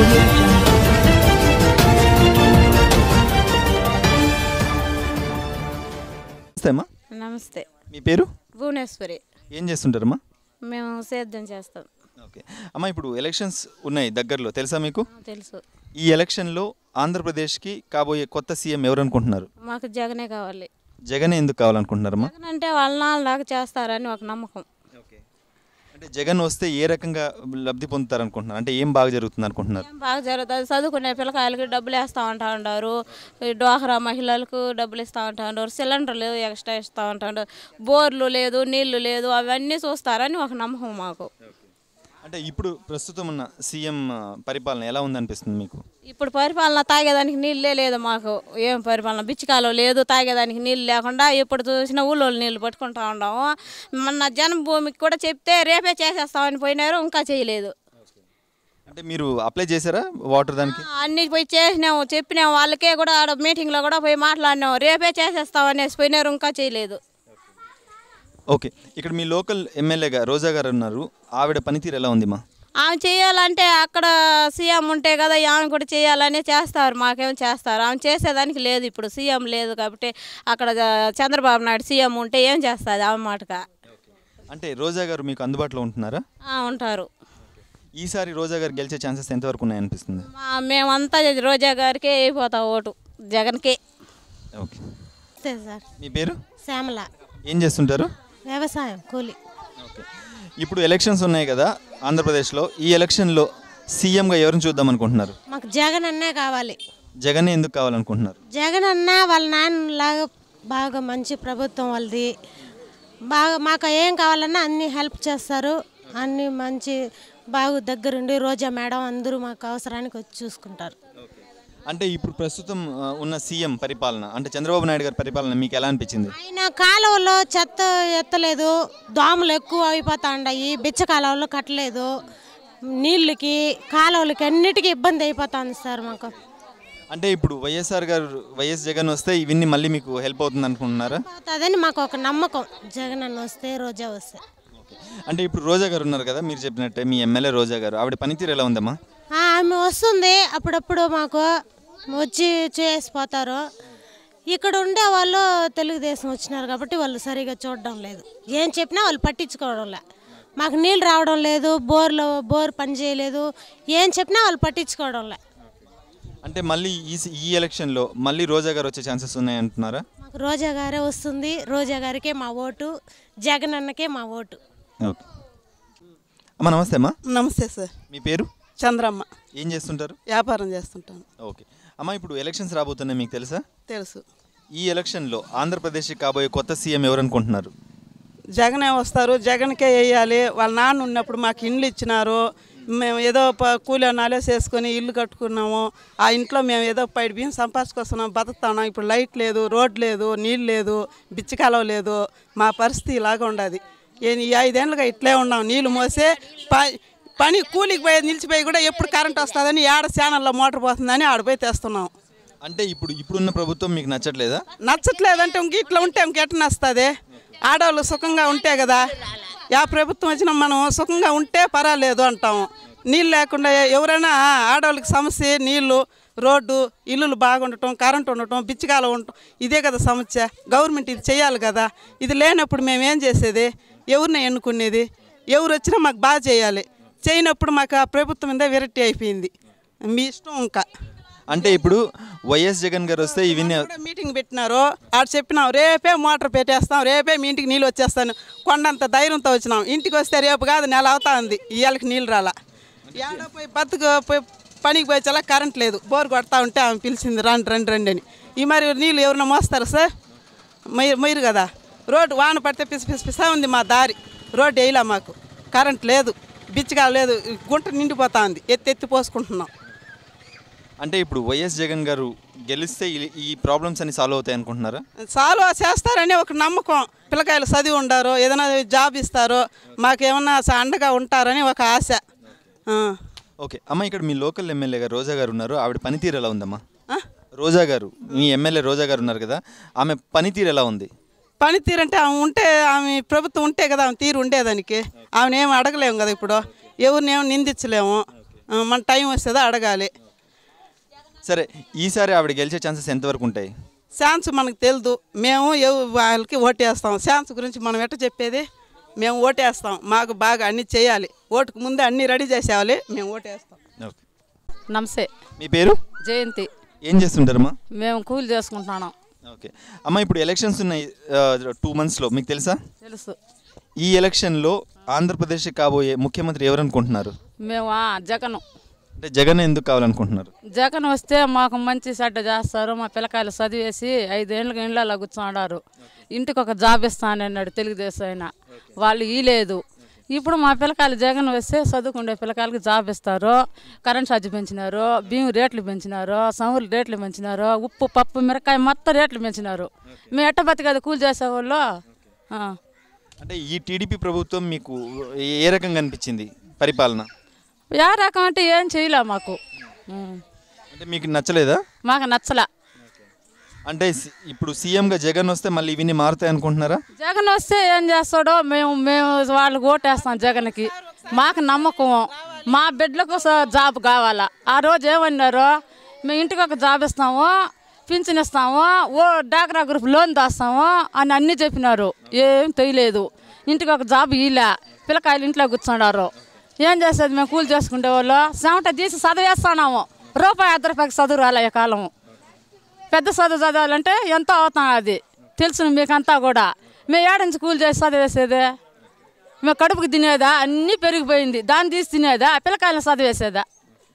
Audio Jungle. నమస్తే అమ్మా. నమస్తే. మీ పేరు? భువనేశ్వరి. ఏం చేస్తుంటారమ్మా? మేము సేద్యం చేస్తాం. ఓకే అమ్మా, ఇప్పుడు ఎలక్షన్స్ ఉన్నాయి దగ్గరలో, తెలుసా మీకు? తెలుసు. ఈ ఎలక్షన్లో ఆంధ్రప్రదేశ్కి కాబోయే కొత్త సీఎం ఎవరు అనుకుంటున్నారు? మాకు జగనే కావాలి. జగనే ఎందుకు కావాలనుకుంటున్నారమ్మా? జగన్ అంటే వాళ్ళ నాన్నలాగా చేస్తారని ఒక నమ్మకం. ఓకే, అంటే జగన్ వస్తే ఏ రకంగా లబ్ధి పొందుతారు అనుకుంటున్నారు? అంటే ఏం బాగా జరుగుతుంది అనుకుంటున్నారు? ఏం బాగా జరుగుతుంది, చదువుకునే పిల్లకాయలకి డబ్బులు వేస్తూ ఉంటా ఉంటారు, డ్వాక్రా మహిళలకు డబ్బులు ఇస్తూ ఉంటా ఉంటారు, సిలిండర్లు ఎక్స్ట్రా ఇస్తూ ఉంటారు, బోర్లు లేదు, నీళ్లు లేదు, అవన్నీ చూస్తారని ఒక నమ్మకం మాకు. అంటే ఇప్పుడు ప్రస్తుతం ఉన్న సీఎం పరిపాలన ఎలా ఉందనిపిస్తుంది మీకు? ఇప్పుడు పరిపాలన తాగేదానికి నీళ్ళే లేదు మాకు. ఏం పరిపాలన, బిచ్చికాలో లేదు, తాగేదానికి నీళ్ళు లేకుండా ఇప్పుడు చూసిన ఊళ్ళో నీళ్ళు పట్టుకుంటా ఉన్నాము. మొన్న జన్మభూమికి కూడా చెప్తే రేపే చేసేస్తామని పోయినారు, ఇంకా చేయలేదు. అంటే మీరు అప్లై చేశారా వాటర్ దానికి? అన్నీ పోయి చేసినాము, చెప్పినాము, వాళ్ళకే కూడా ఆడ మీటింగ్లో కూడా పోయి మాట్లాడినాము, రేపే చేసేస్తామనేసి పోయినారు, ఇంకా చేయలేదు. ఓకే, ఇక్కడ మీ లోకల్ ఎమ్మెల్యేగా రోజా గారు ఉన్నారు, ఆవిడ పనితీరు ఎలా ఉంది మా? ఆమె చేయాలంటే అక్కడ సీఎం ఉంటే కదా ఆమె కూడా చేయాలని చేస్తారు, మాకేమో చేస్తారు. ఆమె చేసేదానికి లేదు, ఇప్పుడు సీఎం లేదు కాబట్టి. అక్కడ చంద్రబాబు నాయుడు సీఎం ఉంటే ఏం చేస్తుంది ఆమె మాటగా? అంటే రోజా గారు మీకు అందుబాటులో ఉంటున్నారా? ఉంటారు. ఈసారి రోజా గారు గెలిచే ఛాన్సెస్ ఎంతవరకు ఉన్నాయనిపిస్తుంది? మేమంతా రోజా గారికే అయిపోతాం ఓటు, జగన్కే. Okay sir. మీ పేరు? శ్యామల. ఏం చేస్తుంటారు? వ్యవసాయం కూలి. ఓకే, ఇప్పుడు ఎలక్షన్స్ ఉన్నాయి కదా ఆంధ్రప్రదేశ్లో, ఈ ఎలక్షన్లో సీఎంగా ఎవరిని చూద్దాం అనుకుంటున్నారు? మాకు జగన్ అన్నే కావాలి. జగన్ ఎందుకు కావాలనుకుంటున్నారు? జగన్ అన్న వాళ్ళ నాన్నలాగా బాగా మంచి ప్రభుత్వం వాళ్ళది, బాగా మాకు ఏం కావాలన్నా అన్నీ హెల్ప్ చేస్తారు, అన్నీ మంచి బాగా దగ్గరుండి రోజా మేడం అందరూ మాకు అవసరానికి వచ్చి చూసుకుంటారు. అంటే ఇప్పుడు ప్రస్తుతం ఉన్న సీఎం పరిపాలన, అంటే చంద్రబాబు నాయుడు గారి పరిపాలన మీకు ఎలా అనిపించింది? ఆయన కాలువలో చెత్త ఎత్తలేదు, దోమలు ఎక్కువ అయిపోతా ఉన్నాయి, బిచ్చ కాలువలో కట్టలేదు, నీళ్ళకి కాలువలకి అన్నిటికీ ఇబ్బంది అయిపోతుంది సార్ మాకు. అంటే ఇప్పుడు వైఎస్ జగన్ వస్తే ఇవన్నీ మళ్ళీ మీకు హెల్ప్ అవుతుంది అనుకుంటున్నారా? అవుతుందని మాకు ఒక నమ్మకం, జగన్ అన్న వస్తే రోజా వస్తే. అంటే ఇప్పుడు రోజా గారు ఉన్నారు కదా, మీరు చెప్పినట్టే మీ ఎమ్మెల్యే రోజా గారు, ఆవిడ పనితీరు ఎలా ఉందమ్మా? ఆమె వస్తుంది అప్పుడప్పుడు, మాకు వచ్చి చేసిపోతారు. ఇక్కడ ఉండే వాళ్ళు తెలుగుదేశం వచ్చినారు కాబట్టి వాళ్ళు సరిగా చూడడం లేదు, ఏం చెప్పినా వాళ్ళు పట్టించుకోవడం లే. మాకు నీళ్ళు రావడం లేదు, బోర్ పని చేయలేదు, ఏం చెప్పినా వాళ్ళు పట్టించుకోవడం లే. అంటే మళ్ళీ ఈ ఎలక్షన్లో మళ్ళీ రోజా గారు వచ్చే ఛాన్సెస్ ఉన్నాయంటున్నారా? మాకు రోజా గారే వస్తుంది, రోజా గారికే మా ఓటు, జగన్ అన్నకే మా ఓటు. ఓకే అమ్మా, నమస్తే అమ్మా. నమస్తే సార్. మీ పేరు? చంద్రమ్మ. ఏం చేస్తుంటారు? వ్యాపారం చేస్తుంటాను. ఓకే అమ్మ, ఇప్పుడు ఎలక్షన్స్ రాబోతున్నాయి, మీకు తెలుసా? తెలుసు. ఈ ఎలక్షన్లో ఆంధ్రప్రదేశ్కి కాబోయే కొత్త సీఎం ఎవరు అనుకుంటున్నారు? జగనే వస్తారు, జగన్కే వేయాలి. వాళ్ళ నాన్న ఉన్నప్పుడు మాకు ఇండ్లు ఇచ్చినారు, మేము ఏదో కూలి నాలే చేసుకొని ఇల్లు కట్టుకున్నాము. ఆ ఇంట్లో మేము ఏదో పైడి బియ్యం సంపాదించుకొస్తున్నాం, బతుకుతున్నాం. ఇప్పుడు లైట్ లేదు, రోడ్ లేదు, నీళ్ళు లేదు, బిచ్చకాలం లేదు. మా పరిస్థితి ఇలాగ ఉండదు. ఈ 5 ఏళ్ళుగా ఇట్లే ఉన్నాం. నీళ్ళు మోసే పని కూలికి పోయి నిలిచిపోయి కూడా ఎప్పుడు కరెంట్ వస్తుందని ఏడ ఛానల్లో మోటార్ పోతుందని ఆడిపోయి తెస్తున్నాం. అంటే ఇప్పుడున్న ప్రభుత్వం మీకు నచ్చట్లేదా? నచ్చట్లేదంటే ఇంక ఇట్లా ఉంటే ఇంకెట్లా నస్తుంది? ఆడవాళ్ళు సుఖంగా ఉంటే కదా, ప్రభుత్వం వచ్చినా మనం సుఖంగా ఉంటే పర్వాలేదు అంటాము. నీళ్ళు లేకుండా ఎవరైనా ఆడవాళ్ళకి సమస్య నీళ్ళు, రోడ్డు, ఇల్లులు బాగుండటం, కరెంట్ ఉండటం, బిచ్చకాలం ఉండటం, ఇదే కదా సమస్య. గవర్నమెంట్ ఇది చేయాలి కదా. ఇది లేనప్పుడు మేము ఏం చేసేది? ఎవరిని ఎన్నుకునేది? ఎవరు వచ్చినా మాకు బాగా చేయాలి. చేయనప్పుడు మాకు ఆ ప్రభుత్వం మీద విరక్తి అయిపోయింది. మీ ఇష్టం ఇంకా. అంటే ఇప్పుడు వైఎస్ జగన్ గారు వస్తే ఇవన్నీ మీటింగ్ పెట్టినారు, ఆడ చెప్పినాం రేపే మోటార్ పెట్టేస్తాం, రేపే మీ ఇంటికి నీళ్ళు వచ్చేస్తాను, కొండంత ధైర్యంతో వచ్చినాం. ఇంటికి వస్తే రేపు కాదు నెల అవుతా ఉంది, ఇవాళకి నీళ్ళు రాలా. ఏడో పోయి పోయి పనికి పోయి చాలా కరెంట్ లేదు, బోర్ కొడతా ఉంటే ఆమె పిలిచింది రండి అని. ఈ మరి నీళ్ళు ఎవరైనా మోస్తారు సార్? మీరు కదా. రోడ్డు వాన పడితే పిసా ఉంది మా దారి, రోడ్డు వేయలే మాకు, కరెంట్ లేదు, బిచ్చగా లేదు, గుంట నిండిపోతా ఉంది, ఎత్తి పోసుకుంటున్నాం. అంటే ఇప్పుడు వైఎస్ జగన్ గారు గెలిస్తే ఈ ప్రాబ్లమ్స్ అన్ని సాల్వ్ అవుతాయి అనుకుంటున్నారా? సాల్వ్ చేస్తారని ఒక నమ్మకం. పిల్లకాయలు చదివి ఉండారు, ఏదైనా జాబ్ ఇస్తారు, మాకేమన్నా అండగా ఉంటారని ఒక ఆశ. ఓకే అమ్మ, ఇక్కడ మీ లోకల్ ఎమ్మెల్యే గారు రోజా గారు ఉన్నారు, ఆవిడ పనితీరు ఎలా ఉందమ్మా? రోజా గారు, మీ ఎమ్మెల్యే రోజా గారు ఉన్నారు కదా, ఆమె పనితీరు ఎలా ఉంది? పనితీరు అంటే ఆమె ప్రభుత్వం ఉంటే కదా ఆమె తీరు ఉండేదానికి. ఆమెను ఏమి అడగలేము కదా, ఇప్పుడు ఎవరినేమో నిందించలేము. మన టైం వస్తుందో అడగాలి. సరే, ఈసారి ఆవిడ గెలిచే ఛాన్సెస్ ఎంతవరకు ఉంటాయి? ఛాన్స్ మనకు తెలియదు. మేము వాళ్ళకి ఓటేస్తాం. ఛాన్స్ గురించి మనం ఎట్ట చెప్పేది? మేము ఓటేస్తాం. మాకు బాగా అన్నీ చేయాలి. ఓటుకు ముందే అన్నీ రెడీ చేసేవాలి. మేము ఓటేస్తాం. ఓకే. నమస్తే. మీ పేరు? జయంతి. ఏం చేస్తుంటారమ్మా? మేము కూలి చేసుకుంటున్నాం. ఓకే అమ్మ, ఇప్పుడు ఎలక్షన్స్ ఉన్నాయి 2 monthsలో, మీకు తెలుసా? తెలుసు. ఈ ఎలక్షన్లో ఆంధ్రప్రదేశ్ కాబోయే ముఖ్యమంత్రి ఎవరు అనుకుంటున్నారు? మేము జగన్. అంటే జగన్ ఎందుకు కావాలనుకుంటున్నారు? జగన్ వస్తే మాకు మంచి చెడ్డ చేస్తారు. మా పిల్లకాయలు చదివేసి 5 ఏళ్ళకి ఇండ్లలో కూర్చోన్నారు. ఇంటికి ఒక జాబ్ ఇస్తానన్నాడు తెలుగుదేశం అయినా, వాళ్ళు ఇలేదు. ఇప్పుడు మా పిల్లకాయలు జగన్ వస్తే చదువుకునే పిల్లకాయలకి జాబ్ ఇస్తారు. కరెంట్ ఛార్జ్ పెంచినారు, బియ్యం రేట్లు పెంచినారు, సములు రేట్లు పెంచినారు, ఉప్పు పప్పు మిరకాయ మొత్తం రేట్లు పెంచినారు. మేము ఎట్ట బతికేది కూలి చేసేవాళ్ళు. అంటే ఈ టీడీపీ ప్రభుత్వం మీకు ఏ రకంగా అనిపించింది పరిపాలన? ఏ రకం అంటే ఏం చేయలే మాకు. అంటే మీకు నచ్చలేదా? మాకు నచ్చలే. అంటే ఇప్పుడు సీఎంగా జగన్ వస్తే మళ్ళీ ఇవన్నీ మారుతాయి అనుకుంటున్నారా? జగన్ వస్తే ఏం చేస్తాడో మేము వాళ్ళకి ఓటేస్తాం జగన్కి. మాకు నమ్మకం. మా బిడ్డలకు జాబ్ కావాలా. ఆ రోజు ఏమన్నారో, మేము ఇంటికి ఒక జాబ్ ఇస్తాము, పింఛన్ ఇస్తాము, డాక్రా గ్రూప్ లోన్ దాస్తాము అని అన్నీ చెప్పినారు. ఏం తెలియలేదు. ఇంటికి ఒక జాబ్ ఇలా పిల్లకాయలు ఇంట్లో కూర్చున్నారు. ఏం చేసేది? మేము కూలి చేసుకునే వాళ్ళు చెమట తీసి చదివేస్తున్నాము. ₹1 చదువు రాలే ఈ కాలము. పెద్ద చదువు చదవాలంటే ఎంతో అవుతాం. అది తెలుసు మీకంతా కూడా. మేము ఏడించి కూలి చేసి చదివేసేదే? మేము కడుపుకి తినేదా? అన్నీ పెరిగిపోయింది. దాన్ని తీసి తినేదా? పిల్లకాయలను చదివేసేదా?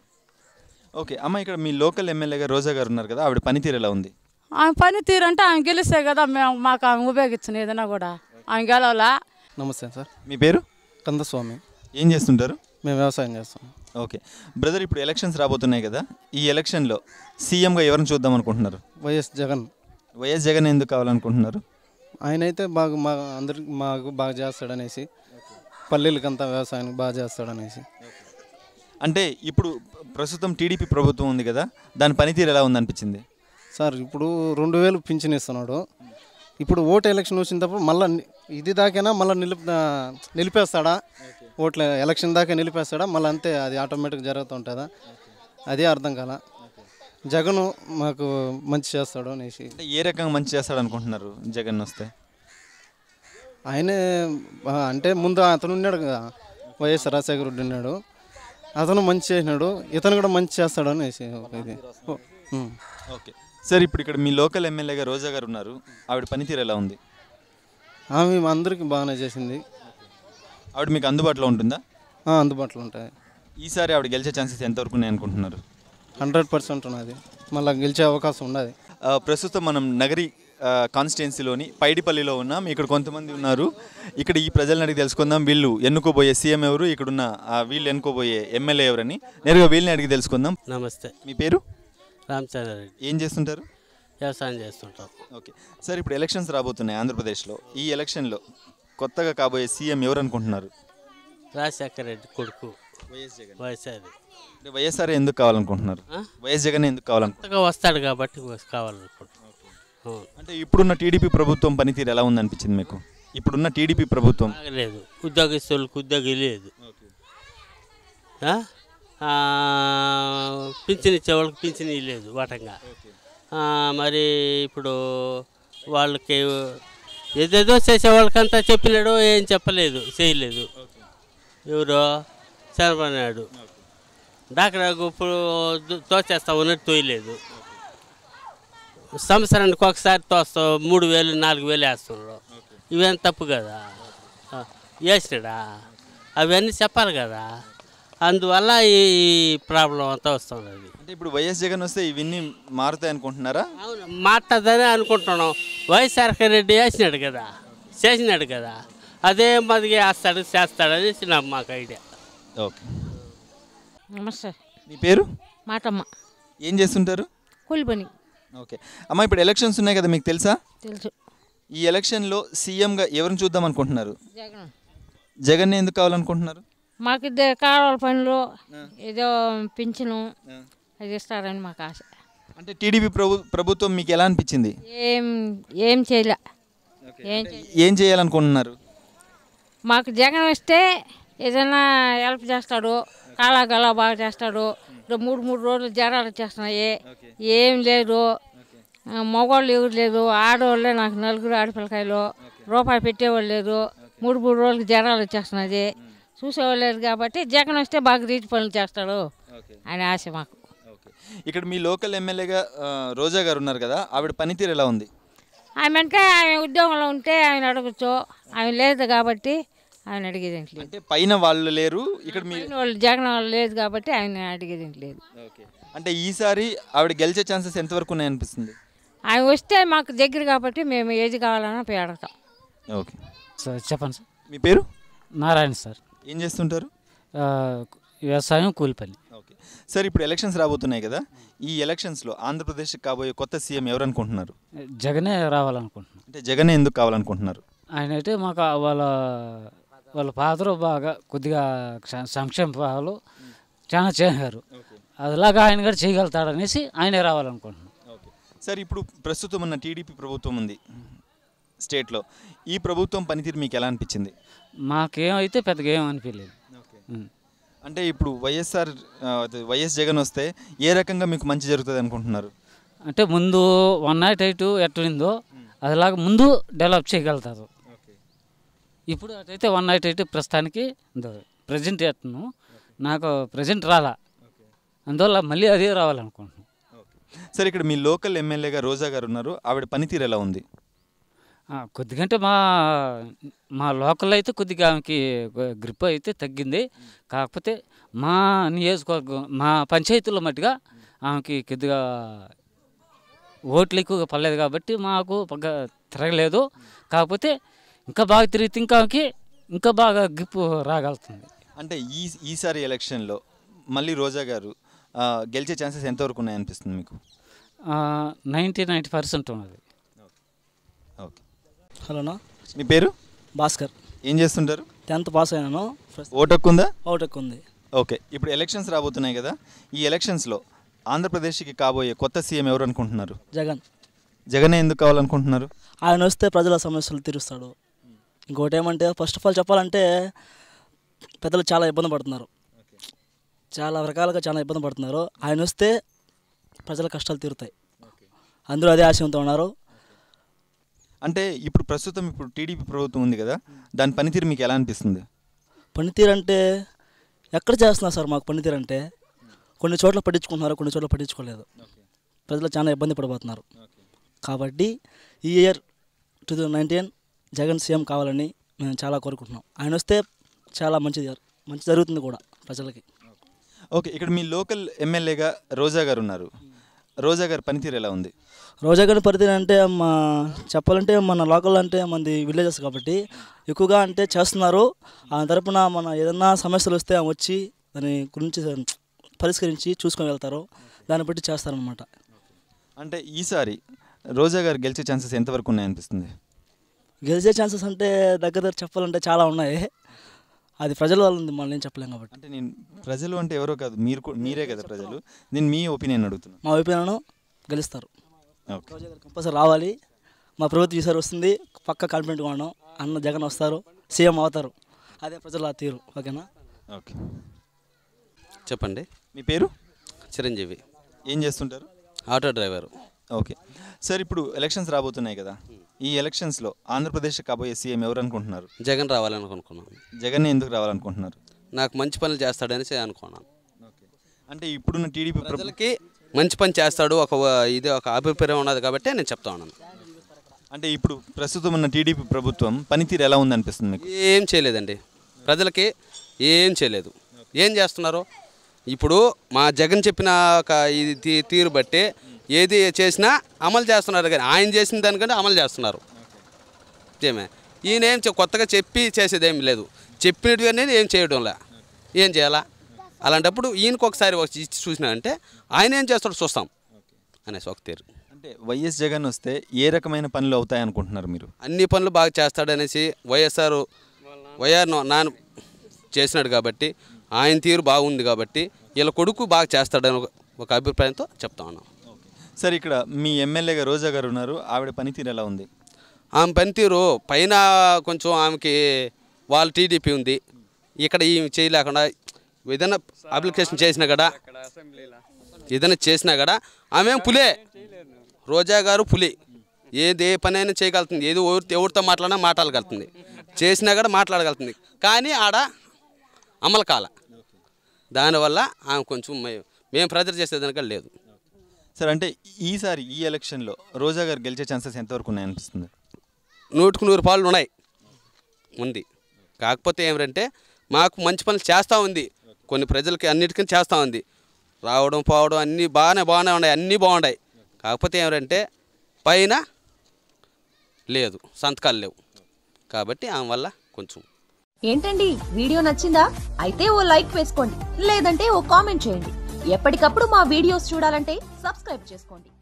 ఓకే అమ్మ, ఇక్కడ మీ లోకల్ ఎమ్మెల్యేగా రోజా గారు ఉన్నారు కదా, ఆవిడ పనితీరు ఎలా ఉంది? ఆమె పనితీరు అంటే ఆమె గెలిస్తే కదా మాకు ఆమె ఉపయోగించిన ఏదైనా కూడా. ఆమె గెలవాలా. నమస్తే సార్. మీ పేరు? కందస్వామి. ఏం చేస్తుంటారు? మేము వ్యవసాయం చేస్తాం. ఓకే బ్రదర్, ఇప్పుడు ఎలక్షన్స్ రాబోతున్నాయి కదా, ఈ ఎలక్షన్లో సీఎంగా ఎవరిని చూద్దాం అనుకుంటున్నారు? వైఎస్ జగన్. వైఎస్ జగన్ ఎందుకు కావాలనుకుంటున్నారు? ఆయన అయితే బాగా అందరికి మాకు బాగా చేస్తాడనేసి, పల్లెలకంతా వ్యవసాయానికి బాగా చేస్తాడనేసి. అంటే ఇప్పుడు ప్రస్తుతం టీడీపీ ప్రభుత్వం ఉంది కదా, దాని పనితీరు ఎలా ఉందనిపించింది సార్? ఇప్పుడు 2000 పింఛన్ ఇస్తున్నాడు. ఇప్పుడు ఓటు ఎలక్షన్ వచ్చినప్పుడు మళ్ళీ ఇది దాకైనా మళ్ళీ నిలిపేస్తాడా? ఓట్ల ఎలక్షన్ దాకా నిలిపేస్తాడా? మళ్ళీ అంతే, అది ఆటోమేటిక్ జరుగుతుంటుందా? అదే అర్థం కాల. జగన్ మాకు మంచి చేస్తాడు అనేసి. ఏ రకంగా మంచి చేస్తాడు అనుకుంటున్నారు జగన్ వస్తే? ఆయనే అంటే ముందు అతను ఉన్నాడు కదా, వైఎస్ రాజశేఖర రెడ్డి ఉన్నాడు, అతను మంచి చేసినాడు, ఇతను కూడా మంచి చేస్తాడు అనేసి ఇది. ఓకే సార్, ఇప్పుడు ఇక్కడ మీ లోకల్ ఎమ్మెల్యేగా రోజా గారు ఉన్నారు, ఆవిడ పనితీరు ఎలా ఉంది? ఆమె అందరికీ బాగానే చేసింది. ఆవిడ మీకు అందుబాటులో ఉంటుందా? అందుబాటులో ఉంటాయి. ఈసారి ఆవిడ గెలిచే ఛాన్సెస్ ఎంతవరకు ఉన్నాయి అనుకుంటున్నారు? 100% ఉన్నది. మళ్ళీ గెలిచే అవకాశం ఉన్నది. ప్రస్తుతం మనం నగరి కాన్స్టిట్యున్సీలోని పైడిపల్లిలో ఉన్నాం. ఇక్కడ కొంతమంది ఉన్నారు. ఇక్కడ ఈ ప్రజలను అడిగి తెలుసుకుందాం, వీళ్ళు ఎన్నుకోబోయే సీఎం ఎవరు, ఇక్కడున్న వీళ్ళు ఎన్నుకోబోయే ఎమ్మెల్యే ఎవరని. నేరుగా వీళ్ళని అడిగి తెలుసుకుందాం. నమస్తే. మీ పేరు? రామచంద్రారెడ్డి. ఏం చేస్తుంటారు? వ్యవసాయం చేస్తుంటాం. ఓకే సార్, ఇప్పుడు ఎలక్షన్స్ రాబోతున్నాయి ఆంధ్రప్రదేశ్లో. ఈ ఎలక్షన్లో కొత్తగా కాబోయే సీఎం ఎవరు అనుకుంటున్నారు? రాజశేఖర రెడ్డి కొడుకు వైఎస్ఆర్. అంటే వైఎస్ఆర్ ఎందుకు కావాలనుకుంటున్నారు? వైఎస్ జగన్ ఎందుకు కొత్తగా వస్తాడు కాబట్టి కావాలనుకుంటున్నాం. అంటే ఇప్పుడున్న టీడీపీ ప్రభుత్వం పనితీరు ఎలా ఉందనిపించింది మీకు? ఇప్పుడున్న టీడీపీ ప్రభుత్వం లేదు, ఉద్యోగస్తులకు ఉద్యోగం లేదు, పింఛన్ ఇచ్చేవాళ్ళకి పింఛన్ లేదు వాటంగా. మరి ఇప్పుడు వాళ్ళకి ఏదేదో చేసేవాళ్ళకంతా చెప్పినాడు, ఏం చెప్పలేదు, చేయలేదు. ఎవరో చంద్రబాబు నాయుడు డాక్టర్ ఇప్పుడు తోచేస్తామన్నట్టు తోయలేదు. సంవత్సరానికి ఒకసారి తోస్తాం 3000 4000 వేస్తున్నారు. ఇవేం తప్పు కదా, వేసినాడా? అవన్నీ చెప్పాలి కదా. అందువల్ల ఈ ప్రాబ్లం అంతా వస్తుంది. అంటే ఇప్పుడు వైఎస్ జగన్ వస్తే ఇవన్నీ మారుతాయి అనుకుంటున్నారా? అవును, మాట్లాడదని అనుకుంటున్నాం. వైఎస్ఆర్ రెడ్డి వేసినాడు కదా, చేసినాడు కదా, అదే మదిగా వేస్తాడు చేస్తాడని మాకు ఐడియా. ఓకే నమస్తే. మీ పేరు? మాటమ్మ. ఏం చేస్తుంటారు? కూలి పని. ఓకే అమ్మ, ఇప్పుడు ఎలక్షన్స్ ఉన్నాయి కదా, మీకు తెలుసా? తెలుసు. ఈ ఎలక్షన్లో సీఎంగా ఎవరిని చూద్దాం అనుకుంటున్నారు? జగన్. జగన్ ఎందుకు కావాలనుకుంటున్నారు? మాకు ఇద్దరు కాలువల పనులు, ఏదో పింఛను అది ఇస్తారని మాకు ఆశ. అంటే టీడీపీ ప్రభుత్వం మీకు ఎలా అనిపించింది? ఏం చేయలే. ఏం చేయాలనుకుంటున్నారు? మాకు జగన్ వస్తే ఏదైనా హెల్ప్ చేస్తాడు, కాలాగలా బాగా చేస్తాడు. ఇప్పుడు 3 రోజులు జ్వరాలు వచ్చేస్తున్నాయి, ఏం లేదు. మగవాళ్ళు ఎవరు లేదు, ఆడవాళ్ళే నాకు 4 ఆడపిల్లకాయలు, రూపాయి పెట్టేవాళ్ళు లేదు. 3 రోజులకి జ్వరాలు వచ్చేస్తున్నది, చూసేవాళ్ళు లేదు. కాబట్టి జగన్ వస్తే బాగా రీతి పనులు చేస్తాడు అని ఆశ మాకు. ఇక్కడ మీ లోకల్ ఎమ్మెల్యేగా రోజా గారు ఉన్నారు కదా, ఆవిడ పనితీరు ఎలా ఉంది? ఆమె అంటే ఆమె ఉద్యోగంలో ఉంటే ఆయన అడగచ్చు, ఆమె లేదు కాబట్టి ఆయన అడిగేది లేదు. అంటే పైన వాళ్ళు లేరు, ఇక్కడ మీ వాళ్ళు జగన్ వాళ్ళు లేదు కాబట్టి ఆయన అడిగేది లేదు. అంటే ఈసారి ఆవిడ గెలిచే ఛాన్సెస్ ఎంతవరకు ఉన్నాయనిపిస్తుంది? ఆయన వస్తే మాకు దగ్గర కాబట్టి మేము ఏది కావాలన్నా పోయి అడగతాం. ఓకే సార్ చెప్పండి సార్. మీ పేరు? నారాయణ సార్. ఏం చేస్తుంటారు? వ్యవసాయం, కూలి పని. ఓకే సార్, ఇప్పుడు ఎలక్షన్స్ రాబోతున్నాయి కదా, ఈ ఎలక్షన్స్లో ఆంధ్రప్రదేశ్కి కాబోయే కొత్త సీఎం ఎవరు అనుకుంటున్నారు? జగనే రావాలనుకుంటున్నాను. అంటే జగనే ఎందుకు కావాలనుకుంటున్నారు? ఆయన అయితే మాకు వాళ్ళ ఫాదరు బాగా కొద్దిగా సంక్షేమ పథకాలు చాలా చేశారు, అదిలాగా ఆయన కూడా చేయగలుగుతాడనేసి ఆయనే రావాలనుకుంటున్నాను. సార్, ఇప్పుడు ప్రస్తుతం ఉన్న టీడీపీ ప్రభుత్వం ఉంది స్టేట్లో, ఈ ప్రభుత్వం పనితీరు మీకు ఎలా అనిపించింది? మాకేమైతే పెద్దగా ఏం అనిపించలేదు. అంటే ఇప్పుడు వైఎస్ జగన్ వస్తే ఏ రకంగా మీకు మంచి జరుగుతుంది అనుకుంటున్నారు? అంటే ముందు 108 ఎట్లుందో అదిలాగా ముందు డెవలప్ చేయగలుగుతారు. ఇప్పుడు అటైతే 108 ప్రస్తుతానికి ప్రజెంట్ ఎట్ను నాకు ప్రజెంట్ రాలా, అందువల్ల మళ్ళీ అదే రావాలనుకుంటున్నాను. సార్, ఇక్కడ మీ లోకల్ ఎమ్మెల్యేగా రోజా గారు ఉన్నారు, ఆవిడ పనితీరు ఎలా ఉంది? కొద్దిగంటే మా లోకల్ అయితే కొద్దిగా ఆమెకి గ్రిప్ అయితే తగ్గింది. కాకపోతే మా నియోజకవర్గం, మా పంచాయతీలో మట్టుగా ఆమెకి కొద్దిగా ఓట్లు ఎక్కువగా పడలేదు కాబట్టి మాకు తిరగలేదు. కాకపోతే ఇంకా బాగా తిరిగితే ఇంకా బాగా గ్రిప్ రాగలుగుతుంది. అంటే ఈసారి ఎలక్షన్లో మళ్ళీ రోజా గారు గెలిచే ఛాన్సెస్ ఎంతవరకు ఉన్నాయనిపిస్తుంది మీకు? 90% ఉన్నది. ఓకే. హలోనా, మీ పేరు? భాస్కర్. ఏం చేస్తుంటారు? 10th పాస్ అయినాను. ఓటు హక్కు ఉందా? ఓటు హక్కు ఉంది. ఓకే, ఇప్పుడు ఎలక్షన్స్ రాబోతున్నాయి కదా, ఈ ఎలక్షన్స్లో ఆంధ్రప్రదేశ్కి కాబోయే కొత్త సీఎం ఎవరు అనుకుంటున్నారు? జగన్. జగనే ఎందుకు కావాలనుకుంటున్నారు? ఆయన వస్తే ప్రజల సమస్యలు తీరుస్తాడు. ఇంకోటి ఏమంటే, ఫస్ట్ ఆఫ్ ఆల్ చెప్పాలంటే పెద్దలు చాలా ఇబ్బంది పడుతున్నారు, చాలా రకాలుగా చాలా ఇబ్బంది పడుతున్నారు. ఆయన వస్తే ప్రజల కష్టాలు తీరుతాయి, అందరూ అదే ఆశయంతో ఉన్నారు. అంటే ఇప్పుడు ప్రస్తుతం టీడీపీ ప్రభుత్వం ఉంది కదా, దాని పనితీరు మీకు ఎలా అనిపిస్తుంది? పనితీరు అంటే ఎక్కడ చేస్తున్నారు సార్? మాకు పనితీరు అంటే కొన్ని చోట్ల పట్టించుకుంటున్నారు, కొన్ని చోట్ల పట్టించుకోలేదు. ప్రజలు చాలా ఇబ్బంది పడిపోతున్నారు. కాబట్టి ఈ ఇయర్ 2019 జగన్ సీఎం కావాలని మేము చాలా కోరుకుంటున్నాం. ఆయన వస్తే చాలా మంచి జరుగుతుంది కూడా ప్రజలకి. ఓకే, ఇక్కడ మీ లోకల్ ఎమ్మెల్యేగా రోజా గారు ఉన్నారు, రోజా గారి పనితీరు ఎలా ఉంది? రోజా గారి పనితీరు అంటే చెప్పాలంటే మన లోకల్ అంటే మనది విలేజెస్ కాబట్టి ఎక్కువగా అంటే చేస్తున్నారు. ఆ తరపున మన ఏదన్నా సమస్యలు వస్తే వచ్చి దాని గురించి పరిష్కరించి చూసుకొని వెళ్తారు, దాన్ని బట్టి చేస్తారనమాట. అంటే ఈసారి రోజా గారు గెలిచే ఛాన్సెస్ ఎంతవరకు ఉన్నాయనిపిస్తుంది? గెలిచే ఛాన్సెస్ అంటే దగ్గర చెప్పాలంటే చాలా ఉన్నాయి, అది ప్రజల వల్ల ఉంది, మనం ఏం చెప్పలేం కాబట్టి. అంటే నేను ప్రజలు అంటే ఎవరో కాదు, మీరే కదా ప్రజలు, నేను మీ ఒపీనియన్ అడుగుతున్నాను. మా ఒపీనియన్ గెలుస్తారు, రోజా గారు కంపల్సరీ రావాలి. మా ప్రభుత్వం ఈసారి వస్తుంది, పక్క కాన్ఫిడెంట్గా ఉన్నాం. అన్న జగన్ వస్తారు, సీఎం అవుతారు, అదే ప్రజల తీరు. ఓకేనా? ఓకే, చెప్పండి. మీ పేరు? చిరంజీవి. ఏం చేస్తుంటారు? Auto driver. ఓకే సార్, ఇప్పుడు ఎలక్షన్స్ రాబోతున్నాయి కదా, ఈ ఎలక్షన్స్లో ఆంధ్రప్రదేశ్ కాబోయే సీఎం ఎవరు అనుకుంటున్నారు? జగన్ రావాలనుకున్నాను. జగన్ ఎందుకు రావాలనుకుంటున్నారు? నాకు మంచి పనులు చేస్తాడనేసి అనుకున్నాను. అంటే ఇప్పుడున్న టీడీపీ ప్రజలకి మంచి పని చేస్తాడు, ఒక అభిప్రాయం ఉన్నది కాబట్టి నేను చెప్తా ఉన్నాను. అంటే ఇప్పుడు ప్రస్తుతం ఉన్న టీడీపీ ప్రభుత్వం పనితీరు ఎలా ఉందనిపిస్తుంది మీకు? ఏం చేయలేదండి, ప్రజలకి ఏం చేయలేదు. ఏం చేస్తున్నారు? ఇప్పుడు మా జగన్ చెప్పిన ఒక ఇది తీరు బట్టి ఏది చేసినా అమలు చేస్తున్నారు, కానీ ఆయన చేసిన దానికంటే అమలు చేస్తున్నారు. ఏమే ఈయన ఏం కొత్తగా చెప్పి చేసేదేం లేదు, చెప్పినట్టు అనేది ఏం చేయడంలే. ఏం చేయాలా? అలాంటప్పుడు ఈయనకు ఒకసారి ఇచ్చి చూసినా అంటే ఆయన ఏం చేస్తాడో చూస్తాం అనేసి ఒక తీరు. అంటే వైఎస్ జగన్ వస్తే ఏ రకమైన పనులు అవుతాయి అనుకుంటున్నారు మీరు? అన్ని పనులు బాగా చేస్తాడనేసి వైఆర్ నాన్న చేసినాడు కాబట్టి, ఆయన తీరు బాగుంది కాబట్టి వీళ్ళ కొడుకు బాగా చేస్తాడని ఒక అభిప్రాయంతో చెప్తా ఉన్నాం. సార్, ఇక్కడ మీ ఎమ్మెల్యేగా రోజా గారు ఉన్నారు, ఆవిడ పనితీరు ఎలా ఉంది? ఆమె పనితీరు పైన కొంచెం ఆమెకి వాళ్ళ టీడీపీ ఉంది, ఇక్కడ ఈమె చేయలేకుండా ఏదైనా అప్లికేషన్ చేసినా కూడా ఆమె పులే, రోజా గారు పులి. ఏ పని అయినా చేయగలుగుతుంది, ఏదో ఎవరితో మాట్లాడినా మాట్లాడగలుగుతుంది, చేసినా కూడా మాట్లాడగలుగుతుంది. కానీ ఆడ అమలు కాల. దానివల్ల ఆమె కొంచెం మేము ప్రెజర్ చేసేదానిక లేదు. సార్ అంటే ఈసారి ఈ ఎలక్షన్లో రోజా గారు గెలిచే ఛాన్సెస్ ఎంతవరకు ఉన్నాయనిపిస్తుంది? 100% ఉంది. కాకపోతే ఏమిటంటే మాకు మంచి పనులు చేస్తూ ఉంది, కొన్ని ప్రజలకి అన్నిటికీ చేస్తూ ఉంది. రావడం పోవడం అన్నీ బాగానే ఉన్నాయి, అన్నీ బాగున్నాయి. కాకపోతే ఏమిటంటే పైన లేదు, సంతకాలు లేవు. కాబట్టి ఆమె వల్ల కొంచెం. ఏంటండి వీడియో నచ్చిందా? అయితే ఓ లైక్ వేసుకోండి, లేదంటే ఓ కామెంట్ చేయండి. ఎప్పటికప్పుడు మా వీడియోస్ చూడాలంటే సబ్స్క్రైబ్ చేసుకోండి.